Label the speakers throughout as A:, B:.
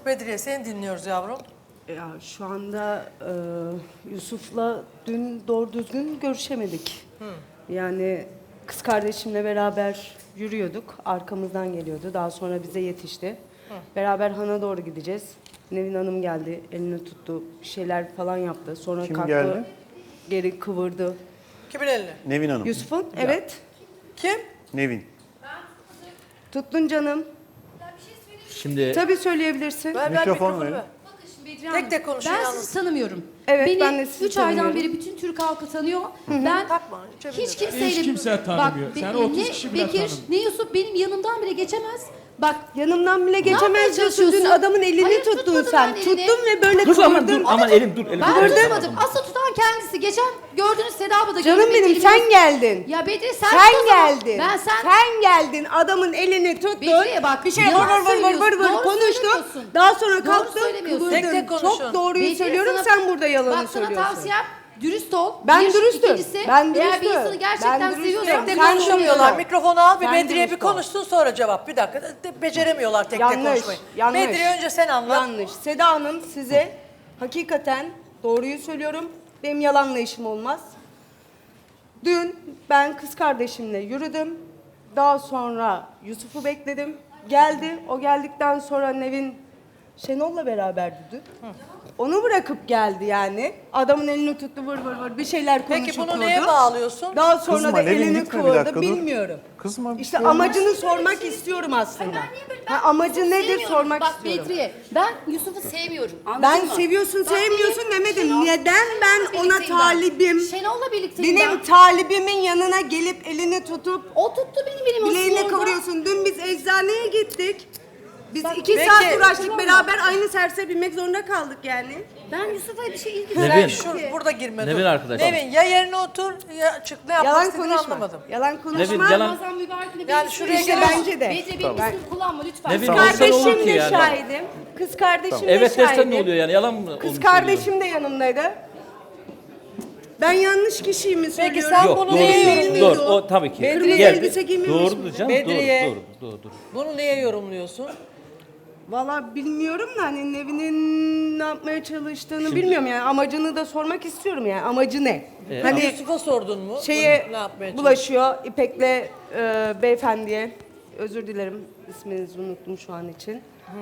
A: Bedriye seni dinliyoruz yavrum.
B: Ya şu anda Yusuf'la dün doğru düzgün görüşemedik. Yani kız kardeşimle beraber yürüyorduk. Arkamızdan geliyordu. Daha sonra bize yetişti. Beraber Han'a doğru gideceğiz. Nevin Hanım geldi. Elini tuttu. Bir şeyler falan yaptı. Sonra
C: Kim
B: kalktı.
C: geldi?
B: Geri kıvırdı.
A: Kimin eline?
C: Nevin Hanım.
B: Yusuf'un? Evet.
A: Kim?
C: Nevin.
B: Tuttun canım.
D: Şimdi
B: Tabii söyleyebilirsin.
A: Ver
C: Mikrofon
A: mikrofonu
C: verin.
A: ver.
E: Bakın şimdi Bedriye
A: Tek
E: Hanım,
A: tek konuşun
E: ben
A: yalnız.
E: sizi tanımıyorum.
B: Evet, ben
E: Beni
B: de sizi
E: 3 aydan
B: tanımıyorum.
E: beri bütün Türk halkı tanıyor. Ben
A: Takma, içebilir.
E: hiç kimseyle...
F: Hiç kimse tanımıyor. Sen 30
E: ne
F: kişi bile
E: Bekir,
F: tanımıyor.
E: ne Yusuf benim yanımdan bile geçemez. Bak
B: Yanımdan bile
E: yapmaya
B: geçemez diyorsun. Dün
E: çalışıyorsun?
B: adamın elini
E: Hayır,
B: tuttun
E: tutmadım
B: sen.
E: ben elini.
B: Tuttun ve böyle
D: dur aman dur
B: kıvırdın.
D: aman elim dur elim.
E: ben
D: dur.
E: tutmadım. Asıl tutan kendisi. Geçen gördünüz Seda abla da
B: Canım
E: gördü,
B: benim
E: elimi-
B: sen geldin.
E: Ya Bedriye sen,
B: Sen
E: tut o zaman.
B: geldin.
E: Ben
B: sen geldin. Adamın elini tuttun.
E: Bedriye bak,
B: bir şey
E: yalan
B: vır
E: söylüyorsun.
B: konuştu.
E: söylemiyorsun.
B: Daha sonra
E: Doğru
B: kalktın
E: söylemiyorsun.
B: kıvırdın.
A: Tek tek konuşun.
B: Çok doğruyu
E: Bedriye
B: söylüyorum
E: sana-
B: sen burada yalanı
E: Bak sana
B: söylüyorsun.
E: tavsiyem dürüst ol.
B: Ben
E: Bir,
B: dürüstüm.
E: ikincisi,
B: Ben
E: eğer bir
B: dürüstüm.
E: insanı gerçekten
B: Ben dürüstüm.
E: seviyorsan...
A: Tek tek
B: Sen
A: konuşamıyorlar.
B: dürüst ol.
A: Mikrofonu al bir
B: Sen
A: Bedriye bir
B: dürüst ol.
A: konuşsun sonra cevap. Bir dakika. Beceremiyorlar tek tek
B: Yanlış,
A: konuşmayı.
B: yanlış.
A: Bedriye önce sen anlat.
B: Yanlış. Seda Hanım size hakikaten doğruyu söylüyorum. Benim yalanla işim olmaz. Dün ben kız kardeşimle yürüdüm. Daha sonra Yusuf'u bekledim. Geldi. O geldikten sonra Nevin Şenol'la beraberdi dün. Onu bırakıp geldi yani. Adamın elini tuttu vır bir şeyler konuşup
A: Peki bunu
B: durdu.
A: neye bağlıyorsun?
B: Daha sonra
C: Kızma,
B: da
C: Nevin,
B: elini
C: gitme bir
B: kıvırdı
C: dakika, dur.
B: bilmiyorum.
C: Kızma. bir
B: İşte
C: şey olmaz.
B: amacını sormak istiyorum aslında. amacı nedir
E: Sevmiyorum.
B: sormak
E: Bak
B: istiyorum.
E: Bedriye, ben Yusuf'u sevmiyorum. Anladın
B: Ben
E: mı?
B: seviyorsun
E: Bak
B: sevmiyorsun
E: benim
B: demedim.
E: Şenol-
B: Neden ben
E: Şenol'la
B: ona
E: birlikteyim
B: talibim?
E: Şenol'la birlikteyim
B: Benim
E: ben.
B: talibimin yanına gelip elini tutup
E: O tuttu benim
B: bileğini
E: aslında.
B: kıvırıyorsun. Dün biz eczaneye gittik. Biz
E: Bak,
B: 2
A: peki.
B: saat uğraştık
E: Tamam.
B: beraber aynı servise binmek zorunda kaldık yani.
E: Ben Yusuf'a bir şey ilgisi
D: Nevin.
A: Sen burada girme.
D: Nevin
A: dur.
D: arkadaş.
A: Nevin ya yerine otur ya çık ne yapmak
B: Yalan
A: istediğini
B: konuşma.
A: anlamadım.
B: Yalan konuşma.
D: Nevin, yalan-
E: Ramazan mübarekine
A: Yani
E: benim
A: şuraya
E: ismimi
A: gel-
B: Bence de.
E: Bedriye benim
B: Tamam.
E: ismimi kullanma lütfen.
D: Nevin,
B: Kız
D: olsa ne olur
B: kardeşim
D: ki
B: de
D: yani?
B: şahidim. Kız kardeşim de
D: Evet
B: şahidim.
D: dersen ne oluyor yani yalan mı? onu
B: Kız
D: söylüyor?
B: kardeşim de yanımdaydı. Ben yanlış kişiyi mi söylüyorum?
A: sen
D: Yok
A: bunu
D: doğru
A: niye
D: söylüyorsun.
A: yorumluyorsun?
D: Doğru o tabii ki.
A: Bedriye
D: Gel,
B: elbise giymemiş
D: doğru
B: mi?
D: canım
A: Bedriye.
D: doğru.
A: Bunu niye yorumluyorsun?
B: Valla bilmiyorum da hani Nevin'in ne yapmaya çalıştığını bilmiyorum yani amacını da sormak istiyorum yani amacı ne? Hani
A: Yusuf'a sordun mu?
B: şeye
A: Bunu ne yapmaya
B: bulaşıyor İpek'le beyefendiye özür dilerim isminizi unuttum şu an için.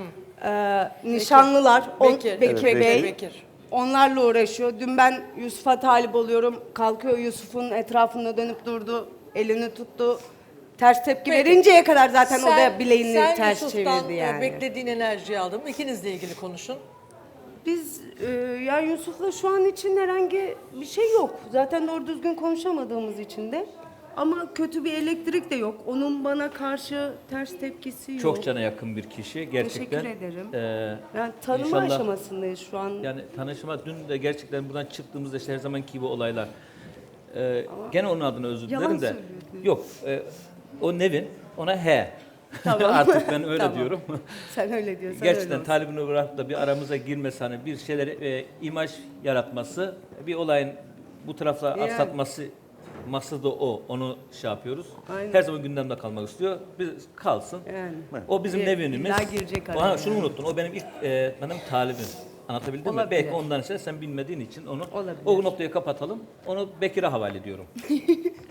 B: Nişanlılar
A: Bekir.
B: Bekir
C: Evet,
B: Bey.
A: Bekir.
B: Onlarla uğraşıyor. Dün ben Yusuf'a talip oluyorum. Kalkıyor Yusuf'un etrafında dönüp durdu. Elini tuttu. Ters tepki
A: Peki.
B: verinceye kadar zaten o da bileğini
A: sen
B: ters
A: Yusuf'tan,
B: çevirdi yani.
A: beklediğin enerjiyi aldın mı? İkinizle ilgili konuşun.
B: Biz yani Yusuf'la şu an için herhangi bir şey yok. Zaten doğru düzgün konuşamadığımız için de. Ama kötü bir elektrik de yok. Onun bana karşı ters tepkisi yok.
D: Çok cana yakın bir kişi gerçekten.
B: Teşekkür ederim.
D: e,
B: Yani tanıma
D: İnşallah-
B: aşamasındayız şu an.
D: Yani tanışma dün de gerçekten buradan çıktığımızda işte her zamanki gibi olaylar. Gene onun adına özür
B: Yalan
D: dilerim de.
B: söylüyorsun.
D: Yok o Nevin ona he.
B: Tamam.
D: Artık ben öyle
B: Tamam.
D: diyorum.
B: Sen öyle diyorsan
D: Gerçekten
B: öyle olsun.
D: talibini bırakıp da bir aramıza girmesi hani bir şeyleri imaj yaratması bir olayın bu tarafla
B: Yani.
D: aksatması maksadı o. Onu şey yapıyoruz.
B: Aynen.
D: Her zaman gündemde kalmak istiyor. Biz kalsın.
B: Yani.
D: O bizim
B: Bir-
D: Nevin'imiz.
B: illa girecek
D: Ha,
B: araya
D: şunu
B: yani.
D: unuttun. O benim ilk benim talibim. Anlatabildim mi?
B: Olabilir.
D: Belki ondan işte sen bilmediğin için onu
B: Olabilir.
D: o noktayı kapatalım. Onu Bekir'e havale ediyorum.